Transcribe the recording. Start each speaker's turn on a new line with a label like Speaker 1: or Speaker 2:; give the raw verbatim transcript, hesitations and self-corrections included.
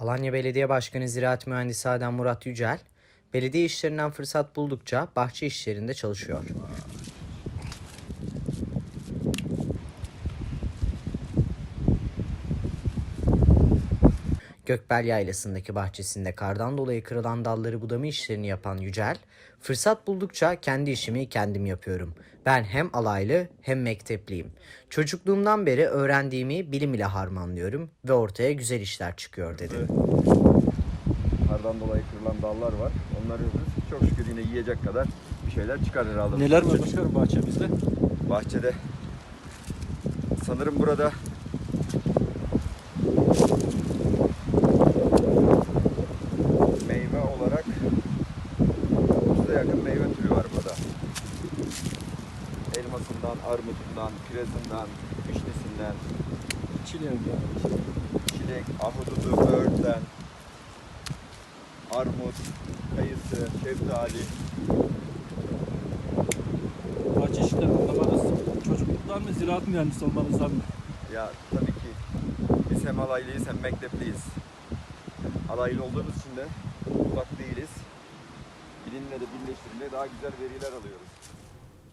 Speaker 1: Alanya Belediye Başkanı Ziraat Mühendisi Adem Murat Yücel, belediye işlerinden fırsat buldukça bahçe işlerinde çalışıyor. Gökbel Yaylası'ndaki bahçesinde kardan dolayı kırılan dalları budama işlerini yapan Yücel, fırsat buldukça kendi işimi kendim yapıyorum. Ben hem alaylı hem mektepliyim. Çocukluğumdan beri öğrendiğimi bilim ile harmanlıyorum ve ortaya güzel işler çıkıyor dedi.
Speaker 2: Kardan dolayı kırılan dallar var. Onları çok şükür yine yiyecek kadar bir şeyler çıkar herhalde.
Speaker 3: Neler var başkanım bahçemizde?
Speaker 2: Bahçede sanırım burada meyve olarak otuza yakın meyve türü var burada. Elmasından, armutundan, kirezinden, vişnesinden,
Speaker 3: Çileğinden.
Speaker 2: çilek, ahududu, böğürtlen, armut, kayısı, şeftali.
Speaker 3: Bahçe işleri anlamanız çocukluktan mı, ziraat mühendisi olmanızdan mı?
Speaker 2: Ya tabii ki biz hem alaylıyız hem mektepliyiz. Alaylı olduğumuz için de uzak değiliz. Bilimle de birleştirince daha güzel veriler alıyoruz.